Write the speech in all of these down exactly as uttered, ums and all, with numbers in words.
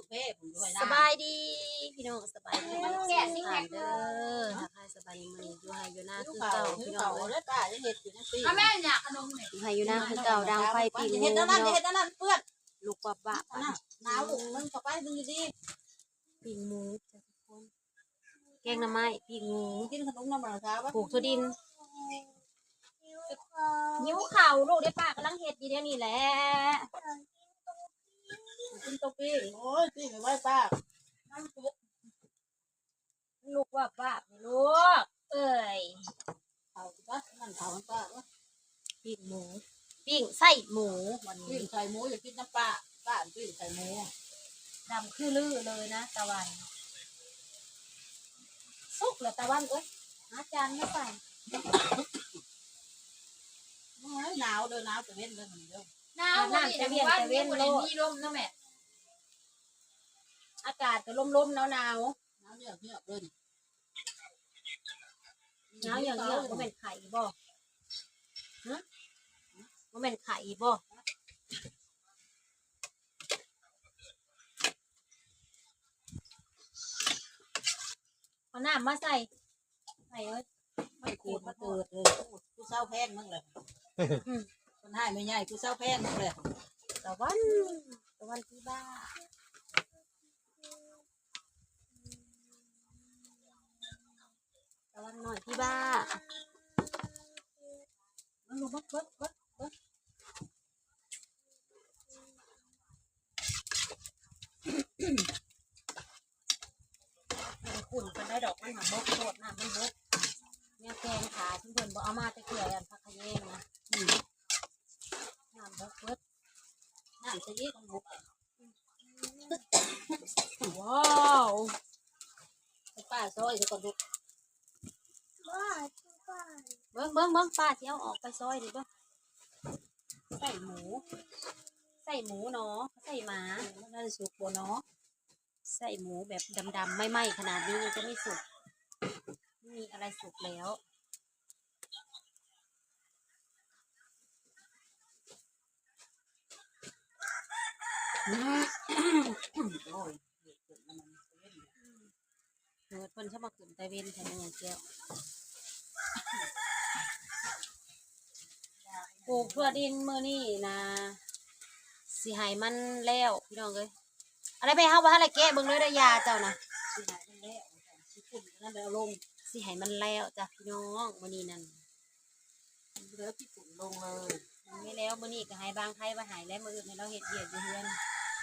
เพ่ผมด้วยนะสบายดีพี่น้องสบายดีแก่สิแก่เด้อทักทายสบายดีมื้อนี้อยู่ไห้อยู่หน้าคือเก่าพี่น้องเด้อป้าจะเฮ็ดอยู่จังซี่ถ้าแม่อยากขนมเนี่ยอยู่ไห้อยู่หน้าคือเก่าดังไฟปีงูเฮ็ดเนาะนั่นเฮ็ดนั่นเปื้อนลูกวับวับหนาวลูกมึงเข้าไปมึงดีปีงูจ้ะทุกคนแกงหน่อไม้ปีงูกินขนมน้ำมันครับปลูกถั่วดินยิ้วเข่าลูกได้ป้ากำลังเฮ็ดอยู่เดี๋ยวนี้แหละกินตกปีโอ้ยปีไม่ไหวป้าน้ำซุปลูกวับวับลูกเอ้ยเขาป้านั่นเขาป้าปิ้งหมูปิ้งไส้หมูวันปิ้นี้งไข่หมูอย่ากินน้ำปลาป้าปิ้งไข่หมูดำคือลือเลยนะตะวันสุกเหรอตะวันเอ้ยอาจารย์ไม่ใส่หนาวเด้อหนาวจะเว้นเด้อมันเด้อหนาวนี่แต่ว่าเว้นวันนี้ร่มนะแม่อากาศก็ร่มๆหนาวๆหนาวหนาวเยอะเยอะเลยอย่างเงี้ยบ่แม่นไข่บ่ฮะบ่แม่นไข่บ่เอาน้ำมาใส่ใส่เอ้ยไม่เกิดมาเกิดเลยกูเศร้าแพงมึงเลยคนให้ไม่ใหญ่กูเศร้าแพงมึงเลยตะวันตะวันที่บ้าตะวันหน่อยที่บ้ามันรู้บักบักบักบักมันขุ่นกันได้ดอกมันหาบกโคตรนะมันบกเนี่ยแกงขาเพื่อนๆบอกเอามาจะเกลือกันพักขยงนะน้ำบกเบิดน้ำจะยี่มันบุกว้าวป้าซอยจะก่อนบุกเบิ้งเบิ้งเบิ้งป้าที่เอาออกไปซอยดิเบิ้งใส่หมูใส่หมูเนาะใส่หมาน่าจะสุกบัวเนาะใส่หมูแบบดำๆไม่ไหม้ขนาดนี้มันจะไม่สุกไม่มีอะไรสุกแล้วเกิดคนชอบมาขึ้นตะเวนแทนอย่างเจียวปลูกทั่วดินมือนี่นะสิหายมันแล้วพี่น้องเลยอะไรไปเฮาว่าอะไรแกะเบิ่งเลยได้ยาเจ้านะสิหายมันแล้วสิปุ่นนั่นแล้วลงสิหายมันแล้วจ้ะพี่น้องมือนี้นั่นเหลือพี่ปุ่นลงเลยมันไม่แล้วมือนี้ก็หายบางไทยว่าหายแล้วมืออื่นให้เราเห็ดเบียดอยู่เฮือน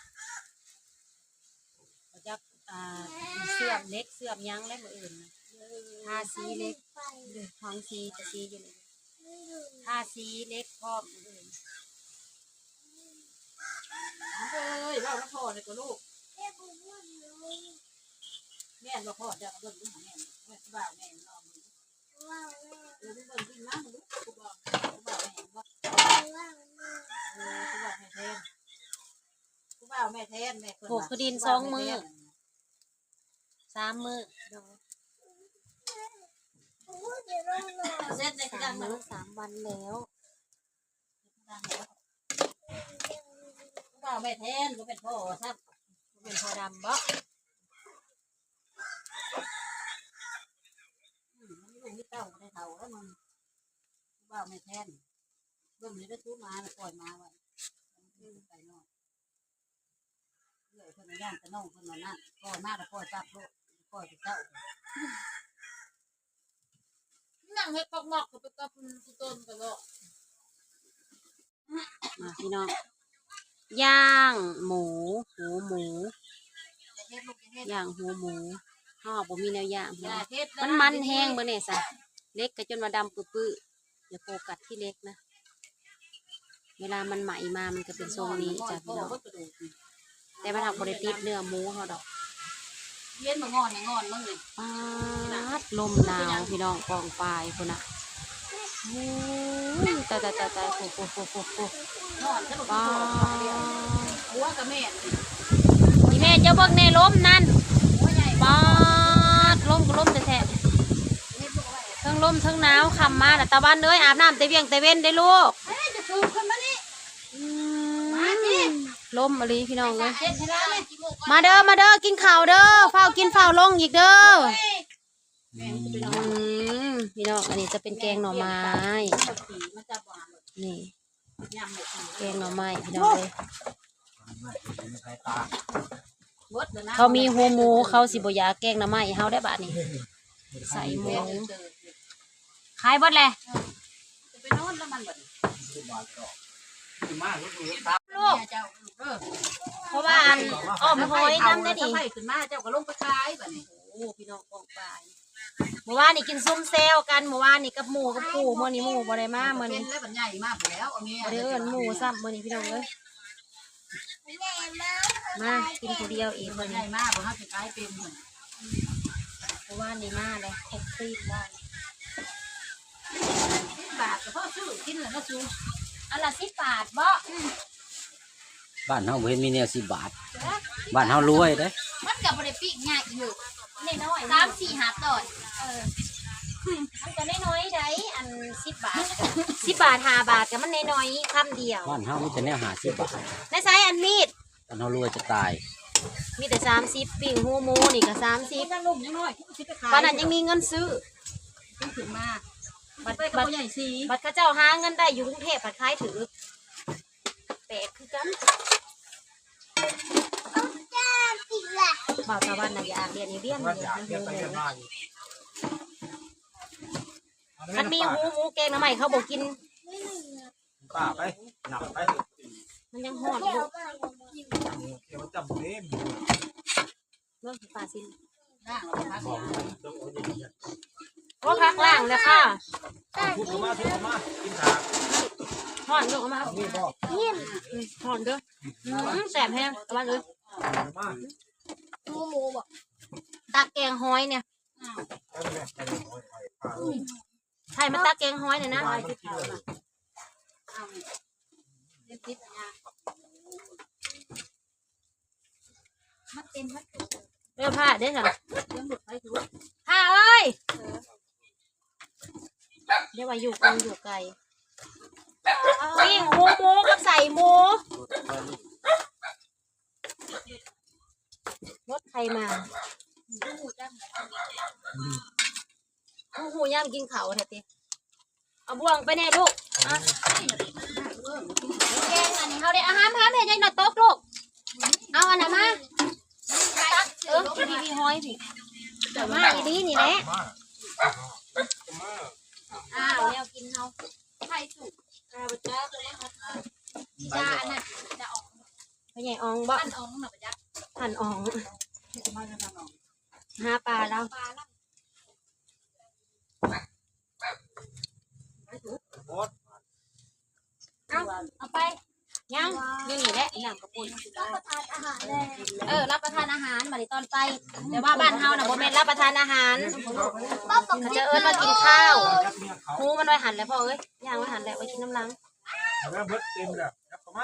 เราจะอ่าเสื่อมเล็กเสื่อมยั้งแล้วมืออื่นนะทาสีเล็กทองสีจะสีอยู่เลยทาสีเล็กพร้อมมืออื่นเฮ้ยว่าแล้วพ่อเลยก็ลูกแม่เราพ่อจะเบิ่งดูแม่แม่บ้าแม่นอนมึงเออเบิ่งกินน้ำลูกกูบอกกูบอกแม่ว่าเออกูบอกแม่แทนกูบอกแม่แทนแม่ปลูกคือดินสองมือสามมือเดี๋ยวเซ็ตในกระสาดาม นมือสามวันแล้วกูบอกแม่แทนกูเป็นพ่อครับเป็นพอดำบ่ลูกที่เต้าได้เท่าแล้วมึงกูบอกแม่แทนเบิ่งนี่ได้ซื้อมาแล้วปล่อยมาไว้ไปนอนเรื่อยคนย่างจะน้องคนนั้นปล่อยมาแล้วปล่อยจับลูกปล่อยไปเจ้านั่งให้ปอกหมอกกับไปกับคุณต้นกันแล้วมาพี่น้องย่างหมูหูหมูย่างหูหมูห่อบ่มีแนวย่างมันมันแห้งเมื่อเนี่ยสะเล็กก็จนมาดำปื้อๆอย่าโฟกัสที่เล็กนะเวลามันใหม่มามันก็เป็นทรงนี้จ้ะพี่น้องแต่มันทำบริติดเนื้อหมูเขาดอกเย็นมางอนงอนมึงเลยปาดลมหนาวพี่น้องกองปลายคนน่ะโอ้ยตายตายตายตายโอ้โหโอ้โหโอ้โหนอนจะบอกปาหัวกับแม่อีแม่เจ้าเบิ่งในลมนั่นปาดลมก็ลมแท้ๆทั้งลมทั้งหนาวคำมาแต่ตะวันเลยอาบน้ำแต่เวียงแต่เว้นได้ลูกจะสูบคนมานี่ลล้มอะไรพี่น้องเลยเฮ็ดให้ได้เลยมาเด้อมาเด้อกินข้าวเด้อเฝ้ากินเฝ้าลงอีกเด้อแม่จะไปนออืนมพี่น้องอันนี้จะเป็นแกงหน่อไม้สีมันจะหวานนี่ยำหมดสีแกงหน่อไม้พี่น้องเลยบดเลยนะเขามีหัวหมูเขาสิบอยากแกงหน่อไม้ให้เฮาได้บาดนี้ใส่หมูขายเบดเลยจะไปนอนแล้วมันแบบลูกเจ้าเออเพราะว่าอันอ้อมหอยน้ำได้ดิถ้าไผ่ขึ้นมาเจ้าก็ลงไปขายแบบนี้โอ้พี่น้องกองปลายเมื่อวานนี่กินซุ่มเซลกันเมื่อวานนี่กับหมูกับปูเมื่อนี้หมูบ่ได้มาเมื่อเป็นี้นแล้วมันใหญ่มากแล้วเอาเมียบ่ได้เอิ้นหมูซ้ำเมื่อนี้พี่น้องเลยมากินคนเดียวอีกมัเมื่อนใหนี้ญ่มากเพราะเขาจะขายเป็นเหมือนเมื่อวานนี่มาเลยครบซีนว่าบาทก็พ่อซื้อกินแล้วก็ซื้ออันละสิบบาทบ่บ้านเฮาบ่เห็นมีแนวสิบบาทบ้านเฮารวยเด้มันกับบริปีกง่ายอยู่น้อยสามสี่หาตอนเออมันก็น้อยๆได้อันสิบบาทสิบบาทห้าบาทก็มันน้อยๆคำเดียวบ้านเฮามีแต่แนวห้าสิบบาทในไซส์อันมีดบ้านเฮารวยจะตายมีแต่สามสิบปิ่งหูหมูนี่ก็สามสิบถ้าลุ่มยังน้อยคิดไปขายตอนนั้นยังมีเงินซื้อขึ้นมาบัตรไปกับบัตพ่รอใหญ่สีบัตรเข้าเจ้าหาเงินได้อยู่กรุงเทพบัตรขายถือแปลกคือกันบ่าวตะวันน่ะอยากเรียนอีเรียนเลยนะหูหมูมันมีหูหมูแกงน้ำใหม่เขาบอกกินป้าไปหนักไปมันยังหอดอยู่เดี๋ยวจับเล่มเรื่องป่าซินร่างเราพักยาโอ้พักล่างเลยค่ะทุบเข้ามาทุบเข้ามากินถาหอนลูกเอามานี่ก็หอนเด้ออืมแสบแห้งตะวันเลยมาหมูหมูบอกตักแกงหอยเนี่ยไปเลยไปเลยป้าใช่มันตักแกงหอยเนี่ยนะป้าไม่กินเลยเอาเลี้ยงติดยามันเป็นมันเรื่องผ้าได้เหรอเลี้ยงหมดไปถือผ้าเอ้ยเดี๋ยวว่าอยู่กองอยู่ไกลวิ่งหูหมูกับใส่หมูรถใครมาหูหูย่างกินเขาเถอะติเอาบ่วงไปแน่ลูกอ่ะแกงอันนี้เขาได้อาหารพาแม่ยายหน่อยตกลูกเอาอันไหนมาตักเออพี่พี่ห้อยพี่แต่มาอีนี้นี่แหละมาอ้าวแนวกินเฮาไข่สุกอ้าวจ้าตัวนี้ครับยาอันนั้นจะออกพ่อใหญ่อองบ่อันออกหนักยักษ์หันอองมาจะทำเอาหาปลาแล้วปลาแล้วโอ๊ตเอาเอาไปยังนี่นี่แหละน้ำกระปุนรับประทานอาหารเลยเออรับประทานอาหารบัดนี้ตอนไปแต่ว่าบ้านเฮาน่ะบ่แม่นรับประทานอาหารป้าปกเขาติจะเอิ้นว่ากินข้าวยักเมียเขาหมูมันไว้หั่นแล้วพ่อเอ้ยย่างไว้หั่นแล้วไว้กินน้ำลังแล้วเบิดเต็มแล้วยับเข้ามา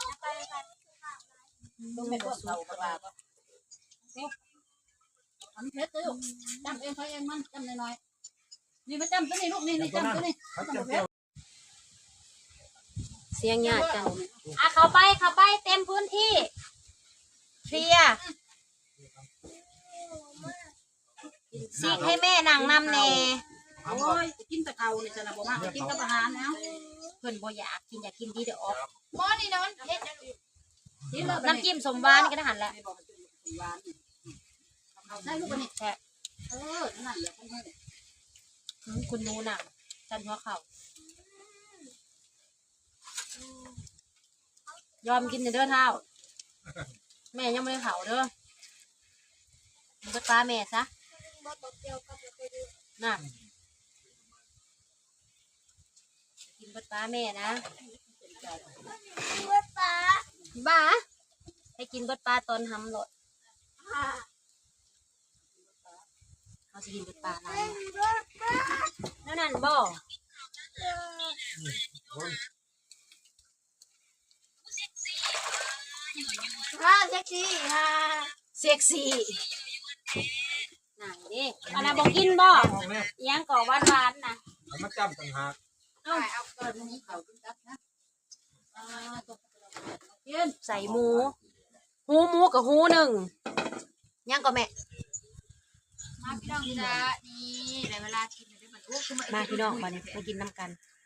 ต้องเป็นพวกเรากระบาดทำเพชรเลยลูกจำเองเขาเองมันจำน้อยๆนี่มาจำตัวนี้ลูกนี่นี่จำตัวนี้เขาจะเที่ยวเสียงญาติกันอ่ะเข้าไปเข้าไปเต็มพื้นที่เคลียร์สิให้แม่นั่งนำแน่โอ้ยกินแต่เขาเนี่ยจะนะบอกว่ากินกับอาหารแล้วเพิ่นบ่อยากกินอยากกินดีเดี๋ยวออกหม้อนี่นะมันเฮ็ดน้ำจิ้มสมหวานนี่ก็ได้หั่นแล้วได้ลูกนี่แค่เออนั่นแหละคุณแม่อืมคุณนูน่ะจันหัวเข่า ยอมกินเด้อเท้า แม่ยังไม่ได้เผาเด้อมันก็ปลาแม่ซะบ่ตกเดียวกับไปดูน่ะกินเบิดปลาแม่นะเมื่อปลาบ้าให้กินเบิดปลาตอนทำโหลดค่ะเขาจะกินเบิดปลาอะไรนั่นนั่นบ่ค่ะแท็กซี่ค่ะเซ็กซี่ไหนดิอันนั้นบอกกินบ่ห้องแรกยังก่อหวานหวานๆนะเขามาจำต่างหากเอาเอาเกิดนี้เขาขึ้นกับนะอ่าตัวกินใส่หมู หูหมูกับหูหนึ่งย่างก็แม่มาพี่น้องจ้านี่ได้เวลากินได้มันโอ้คือมาพี่น้องมาเนี่ยมากินน้ำกัน